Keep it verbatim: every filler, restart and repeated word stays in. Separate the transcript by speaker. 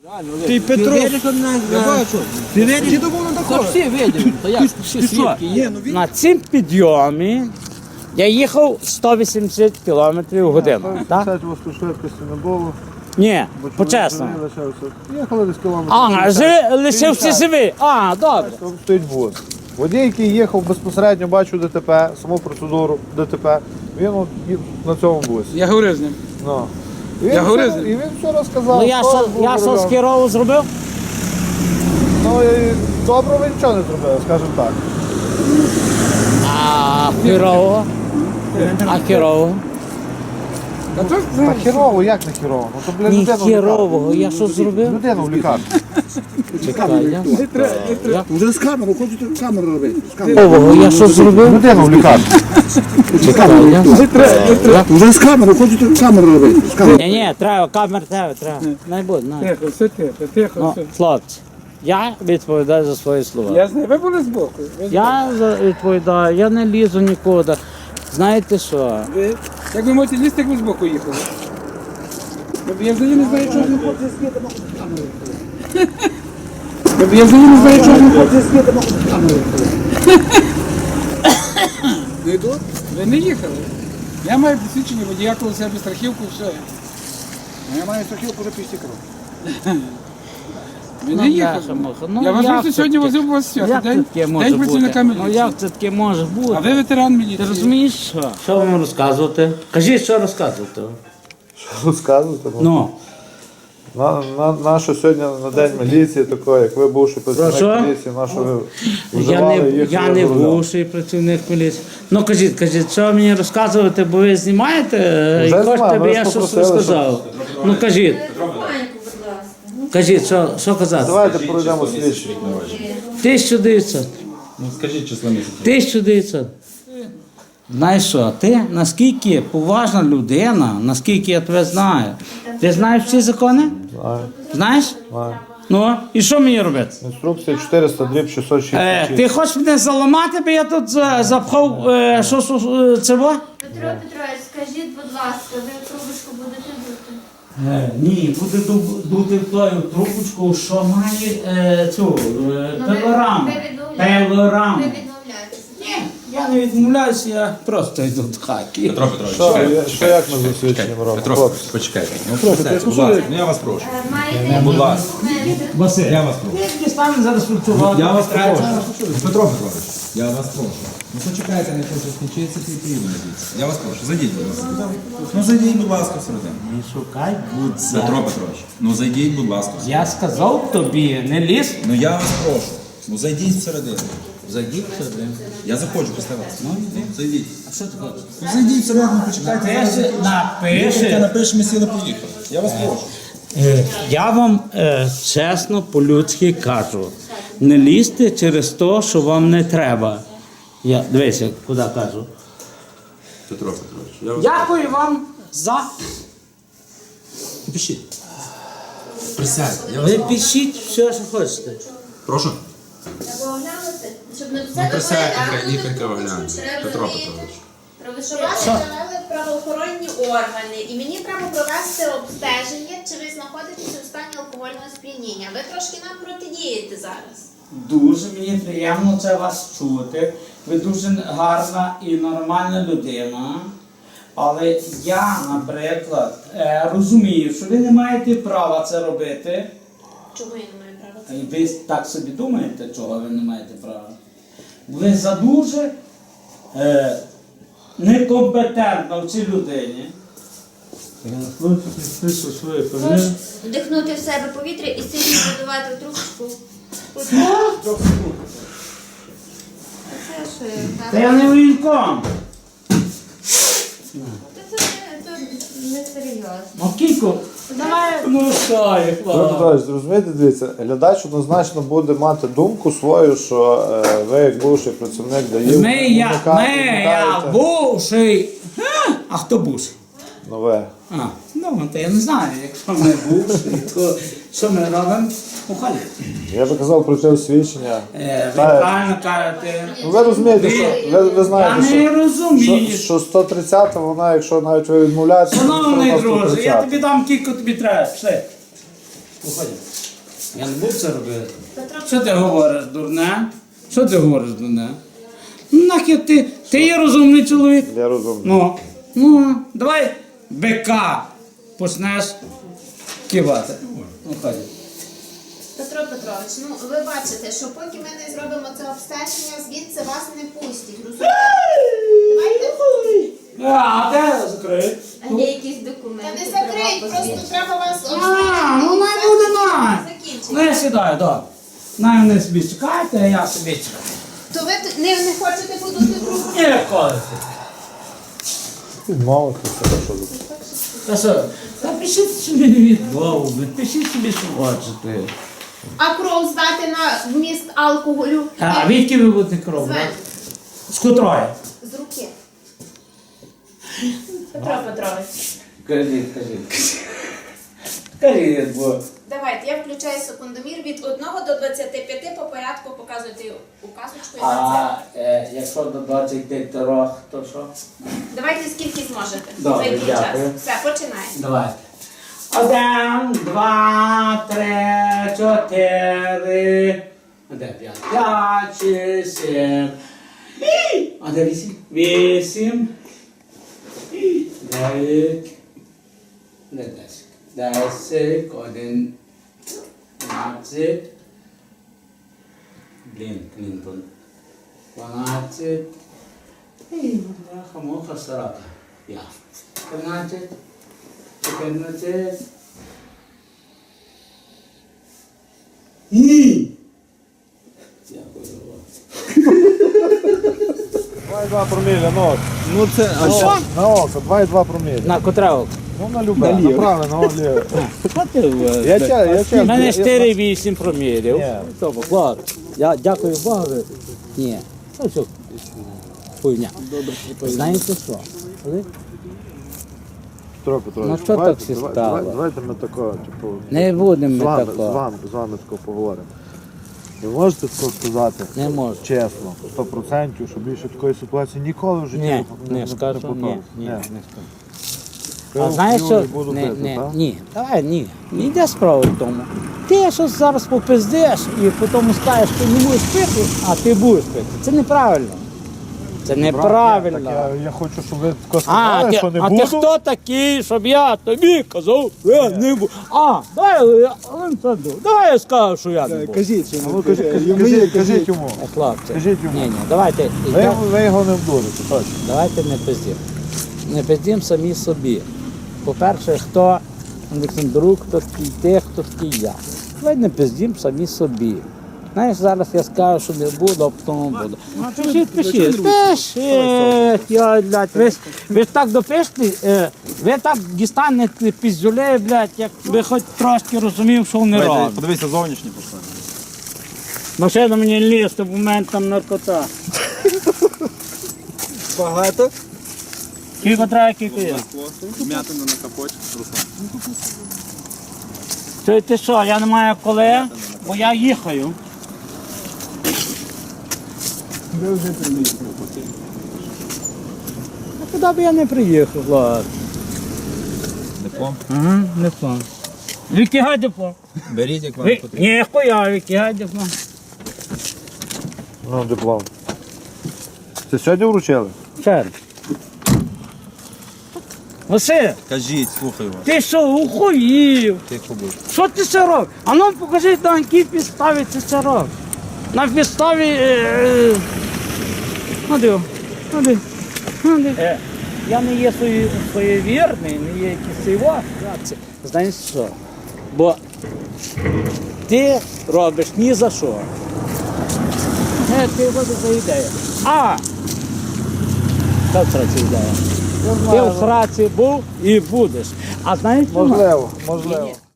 Speaker 1: Ти Петро,
Speaker 2: я бачу.
Speaker 1: ти не думав на
Speaker 2: Та
Speaker 1: такого?
Speaker 2: всі виділи, то як всі свідки є.
Speaker 3: На цим підйомі я їхав сто вісімдесят кілометрів в годину. Так?
Speaker 1: п'ятдесят швидкості не було.
Speaker 3: Ні,
Speaker 1: бо
Speaker 3: по-чесному.
Speaker 1: чоловік лишався. Їхали десь кілометрів.
Speaker 3: Ага, жи- лишився живий. А, добре.
Speaker 1: Там стоїть бус. Водій, який їхав безпосередньо, бачив ДТП, саму процедуру ДТП, він от їв на цьому бусі.
Speaker 4: Я говорив з ним.
Speaker 1: Ну. І він,
Speaker 4: Я
Speaker 1: все,
Speaker 4: говорив з ним.
Speaker 1: і він все розказав.
Speaker 3: Ну я
Speaker 1: що
Speaker 3: що,
Speaker 1: був
Speaker 3: я
Speaker 1: за
Speaker 3: що з
Speaker 1: рулем.
Speaker 3: Кірову зробив?
Speaker 1: Ну і добре він нічого не зробив, скажімо так.
Speaker 3: А Кірову? А Кірову?
Speaker 4: Та то
Speaker 1: А хірово, як не хірово? Ну то, бля,
Speaker 3: Ні,
Speaker 1: людину в
Speaker 3: Кірового, я що
Speaker 1: лікарню.
Speaker 3: зробив?
Speaker 1: Людину в лікарню.
Speaker 3: Чекай, я...
Speaker 5: Вже з камеру, хочете камеру робити. З камеру.
Speaker 3: Кірового, я що зробив?
Speaker 1: Людину в лікарню.
Speaker 3: Чекай, я...
Speaker 5: Вже з камеру, хочете камеру робити. З камеру.
Speaker 3: Ні, ні, треба, камер треба, треба. Не буде, на.
Speaker 4: тихо, все тихо, тихо,
Speaker 3: Ну,
Speaker 4: все.
Speaker 3: хлопці, я відповідаю за свої слова.
Speaker 4: Я знаю, ви були збоку. Ви
Speaker 3: Я за- відповідаю, я не лізу нікуди. Знаєте що?
Speaker 4: Ви, як ви можете лізти, як ви збоку їхали? Я взагалі не знаю, чого не хоче світи. Я взагалі не знаю, чого не хоче світи.
Speaker 5: Не йду?
Speaker 4: Ви не їхали. Я маю посвідчення водія, коли себе страхівку, все.
Speaker 5: Я маю страхівку вже після кров.
Speaker 4: Ви
Speaker 3: Ну,
Speaker 4: не їхали.
Speaker 3: бляха-муха, ну,
Speaker 4: Я вважаю,
Speaker 3: як
Speaker 4: що
Speaker 3: це
Speaker 4: сьогодні
Speaker 3: таке?
Speaker 4: возив вас свято.
Speaker 3: Як це
Speaker 4: День,
Speaker 3: таке може
Speaker 4: день працівника
Speaker 3: бути? Ну
Speaker 4: міліції.
Speaker 3: як це таке може бути?
Speaker 4: А ви ветеран міліції.
Speaker 3: Ти розумієш що? Що вам розказувати? Кажіть, що розказувати?
Speaker 1: Що розказувати?
Speaker 3: Ну,
Speaker 1: На, на, на що сьогодні на день міліції, такої, як ви бувший
Speaker 3: Про
Speaker 1: працівник
Speaker 3: що?
Speaker 1: міліції, на що ви
Speaker 3: я
Speaker 1: вживали,
Speaker 3: не,
Speaker 1: їхали
Speaker 3: я не
Speaker 1: за рулем?
Speaker 3: бувший працівник міліції. Ну кажіть, кажіть, що мені розказувати, бо ви знімаєте е, і
Speaker 1: Вже
Speaker 3: хочете,
Speaker 1: знімаю,
Speaker 3: аби
Speaker 1: ви
Speaker 3: я
Speaker 1: ж
Speaker 3: щось
Speaker 1: попросили,
Speaker 3: розказав. Ну кажіть,
Speaker 6: Тихонько, будь ласка. Ну,
Speaker 3: кажіть, що, що казати?
Speaker 1: Давайте пройдемо слідчі.
Speaker 3: тисяча дев'ятсот.
Speaker 7: Ну скажіть число місяців.
Speaker 3: тисяча дев'ятсот. Знаєш що, ти наскільки поважна людина, наскільки я тебе знаю. Ти знаєш всі закони?
Speaker 1: Знаю,
Speaker 3: Знаєш?
Speaker 1: знаю.
Speaker 3: Ну, і що мені робити?
Speaker 1: Інструкція чотириста дріб шістсот
Speaker 3: Е,
Speaker 1: шістдесят шість.
Speaker 3: ти хочеш мене заламати, бо я тут за- запхав е, що, що, що це во?
Speaker 6: Петро Петрович, скажіть, будь ласка, ви трубочку будете дути?
Speaker 3: Е, ні, буде ду- дути в тою трубочку, що має е, цю е,
Speaker 6: Ну, ви-
Speaker 3: пилораму.
Speaker 6: ви відмовляєтесь.
Speaker 3: Пилораму.
Speaker 6: Ви відмовляєтеся.
Speaker 3: Ні, я не відмовляюся, я просто йду до хаки.
Speaker 7: Петро Петрович,
Speaker 1: Що,
Speaker 7: чекайте,
Speaker 1: я- що як ми засвідченням робимо?
Speaker 7: Петро,
Speaker 1: Хлопці?
Speaker 7: почекайте. Ну, присядьте, будь ласка, ну я вас прошу.
Speaker 6: Е, Маєте
Speaker 7: Будь
Speaker 6: якісь
Speaker 7: ласка.
Speaker 6: документи?
Speaker 3: Василь,
Speaker 7: Я вас прошу.
Speaker 3: ти станеш зараз працювати.
Speaker 7: Я вас прошу. Петро Петрович, я вас прошу. Ну почекайте, не хочу скінчитися і приїду надіюся. Я вас прошу, зайдіть, будь ласка. Ну зайдіть, будь ласка, всередину.
Speaker 3: Не шукай будь-за.
Speaker 7: Петро Петрович, ну зайдіть, будь ласка.
Speaker 3: Я сказав тобі, не лізь.
Speaker 7: Ну я вас прошу. Ну зайдіть всередину.
Speaker 3: Зайдіть сюди.
Speaker 7: Я заходжу після вас. Ну, зайдіть.
Speaker 3: А що ти хочеш?
Speaker 7: Ну зайдіть всередину, почекайте.
Speaker 3: Напиши,
Speaker 7: Їхайте,
Speaker 3: напиши.
Speaker 7: напишемо, сіли, поїхали. Я вас прошу.
Speaker 3: Е, Я вам е, чесно, по-людськи кажу, не лізьте через те, що вам не треба. Я, дивися, куди кажу.
Speaker 7: Петро Петрович, я вас
Speaker 3: Дякую вам за...
Speaker 7: Пишіть. Присядьте. Я вас
Speaker 3: Ви пишіть все, що хочете.
Speaker 7: прошу.
Speaker 6: Треба оглянути, щоб не
Speaker 7: Ну,
Speaker 6: все
Speaker 7: присядьте,
Speaker 6: добре, а
Speaker 7: лікарка
Speaker 6: ну,
Speaker 7: огляне.
Speaker 6: треба
Speaker 7: Петро
Speaker 6: розуміти.
Speaker 7: Петрович.
Speaker 6: Треба, що
Speaker 8: Вас
Speaker 6: ви-
Speaker 8: встановили правоохоронні органи, і мені треба провести обстеження, чи ви знаходитеся у стані алкогольного сп'яніння. Ви трошки нам протидієте зараз.
Speaker 3: Дуже мені приємно це вас чути. Ви дуже гарна і нормальна людина. Але я, наприклад, е, розумію, що ви не маєте права це робити.
Speaker 8: Чого я не маю права це?
Speaker 3: І ви так собі думаєте, чого ви не маєте права? Ви за дуже е, некомпетентна в цій людині.
Speaker 6: Можеш вдихнути в себе повітря і сильно задувати в трубочку. Це що я
Speaker 3: Та
Speaker 6: так?
Speaker 3: я не воєнком.
Speaker 6: Це не- це не серйозно.
Speaker 3: Ну, Кіко, давай. Ну, що, я,
Speaker 1: Петро
Speaker 3: хлоп.
Speaker 1: Петрович, зрозумієте, дивіться, глядач однозначно буде мати думку свою, що е, ви як бувший працівник даїв.
Speaker 3: Ми, я, ми, я бувший. А, а хто бувший?
Speaker 1: Ну ви.
Speaker 3: А, ну, то я не знаю, якщо ми бувший, то що ми робимо? Ухалі.
Speaker 1: Я би казав про те освідчення.
Speaker 3: Е, ви
Speaker 1: Та-
Speaker 3: правильно кажете.
Speaker 1: Ну ви розумієте, що ви, ви
Speaker 3: Я
Speaker 1: знаєте,
Speaker 3: не
Speaker 1: що,
Speaker 3: розумію.
Speaker 1: що, що сто тридцята, вона, якщо навіть ви відмовляєтеся, то
Speaker 3: Шановний
Speaker 1: вона
Speaker 3: друже, я
Speaker 1: сто тридцята.
Speaker 3: тобі дам кілько тобі треба. Пішли. Виходь. Я не буду це робити.
Speaker 8: Петро,
Speaker 3: Що ти говориш, дурне? Що ти говориш, дурне? Ну, нахер ти, ти є розумний чоловік.
Speaker 1: Я розумію.
Speaker 3: Ну, ну, давай бика почнеш кивати. Виходь.
Speaker 8: Петро Петрович, ну ви бачите, що поки ми не зробимо це обстеження, звідси вас не пустять. Розумієте? Давайте.
Speaker 3: А, де закрий?
Speaker 6: А є якісь документи?
Speaker 8: Та не закрить, просто треба вас
Speaker 3: А,
Speaker 8: обстежити.
Speaker 3: ну най буде най.
Speaker 8: Закінчити.
Speaker 3: Ну я сідаю, добре. Най вони собі чекайте, а я собі чекаю.
Speaker 8: То ви т- не, не хочете подути трубку?
Speaker 3: Ніколи.
Speaker 1: Відмовити все, що тут.
Speaker 3: Та що? Та пишіть собі відмову, пишіть собі, що хочете.
Speaker 8: А кров здати на вміст алкоголю?
Speaker 3: А відки ви будете кров?
Speaker 8: Звен.
Speaker 3: брати? З котрої?
Speaker 8: З руки. Петро Петрович,
Speaker 3: Кажіть, кажіть. Кажіть, бо...
Speaker 8: давайте, я включаю секундомір від одного до двадцяти п'яти по порядку показуйте указочку і на
Speaker 3: А
Speaker 8: це.
Speaker 3: е, якщо до двадцяти трьох, то що?
Speaker 8: Давайте скільки зможете.
Speaker 3: Добре,
Speaker 8: Зайдіть час.
Speaker 3: дякую.
Speaker 8: Все, починаємо.
Speaker 3: Давайте. Один, два, три, чотири. А де п'ять? П'ять, шість, сім. І! А де вісім? Вісім. І! Дев'ять. Де десять? Десять, один, дванадцять. Блін, Клінтон. Дванадцять. І, бляха, муха, сорока. Я. Тринадцять. чотирнадцять. І! Дякую вам.
Speaker 1: два і два проміля, ну от.
Speaker 7: Ну це, а що?
Speaker 1: На око, два і два проміля.
Speaker 3: На котре око?
Speaker 1: Ну на любе, направо, на ліве. Я ча, я ча.
Speaker 3: У мене чотири вісім промірів.
Speaker 1: Ні.
Speaker 3: Тобто, клад. Я дякую Богу. Ні. Це все хуйня. Знаєте що? Коли?
Speaker 1: Петро Петрович,
Speaker 3: Ну, що
Speaker 1: давайте-
Speaker 3: так всі
Speaker 1: давай-
Speaker 3: стало?
Speaker 1: давай- Давайте ми такого, типу,
Speaker 3: Не будемо
Speaker 1: з
Speaker 3: ми
Speaker 1: вами, з
Speaker 3: такого.
Speaker 1: вами, з вами такого поговоримо. Ви можете тако сказати?
Speaker 3: Не можу.
Speaker 1: Чесно, сто процентів, що більше такої ситуації ніколи в житті
Speaker 3: Ні,
Speaker 1: не,
Speaker 3: не скажу, ні,
Speaker 1: повториться.
Speaker 3: ні,
Speaker 1: Ні.
Speaker 3: не скажу.
Speaker 1: Пиво
Speaker 3: А знаєш
Speaker 1: п'ю,
Speaker 3: що?
Speaker 1: не буду
Speaker 3: Не,
Speaker 1: пити,
Speaker 3: не,
Speaker 1: так?
Speaker 3: ні, давай, ні. Не йде справа в тому. Ти щось зараз попиздиш і потім скажеш, що не будеш пити, а ти будеш пити. Це неправильно. Це неправильно.
Speaker 1: Так я, я хочу, щоб ви тако
Speaker 3: А,
Speaker 1: сказали,
Speaker 3: ти,
Speaker 1: що не
Speaker 3: а
Speaker 1: буду.
Speaker 3: ти хто такий, щоб я тобі казав, що я не буду. А, давай, я, Олександр, давай я скажу, що я не буду.
Speaker 5: Кажіть, що
Speaker 1: А ну, кажіть, кажіть, кажіть, кажіть йому.
Speaker 3: Е, Хлопці,
Speaker 1: Скажіть йому.
Speaker 3: ні, ні, давайте,
Speaker 1: Ви, ви його не вдурите, точно.
Speaker 3: давайте не пиздім. Не пиздім самі собі. По-перше, хто Олександрук, хто такий ти, хто такий я. Давай не пиздім самі собі. Знаєш, зараз я скажу, що не буду, а потім буду. Пишіть, пишіть, пишіть, я, блядь, ви, ж- ви ж так допишете, е, ви так дістанете піздюлей, блядь, як ви хоч трошки розумів, що вони роблять.
Speaker 7: Подивися зовнішні пошли.
Speaker 3: Машина мені лізти, бо в мене там наркота.
Speaker 5: багато.
Speaker 3: Скільки треба, скільки є?
Speaker 7: М'ятина на капоті.
Speaker 3: Ти, ти що, я не маю коли, бо я їхаю.
Speaker 5: Ви вже приїхали.
Speaker 3: А куди б я не приїхав, ладно.
Speaker 7: Диплом.
Speaker 3: Ага, диплом. Викигай диплом.
Speaker 7: Беріть, як вам
Speaker 3: Ви...
Speaker 7: потрібно.
Speaker 3: Ні, хуя, викигай диплом.
Speaker 1: Ну, диплом. Це сьогодні вручили?
Speaker 3: Чер. Василь,
Speaker 7: Кажіть, слухаю вас.
Speaker 3: ти що, ухуїв?
Speaker 7: Тихо будь.
Speaker 3: Що ти це робиш? А ну покажи, на якій підставі ти це робиш. На підставі... Е... Ну диво, ну диво, ну диво. Е, я не є свої- своєвірний, не є якийсь його. Знаєш що? Бо ти робиш ні за що. Е, ти буде за ідею. А! Що в сраці ідея? Ти в сраці був і будеш. А знаєш чому?
Speaker 1: Можливо, можливо.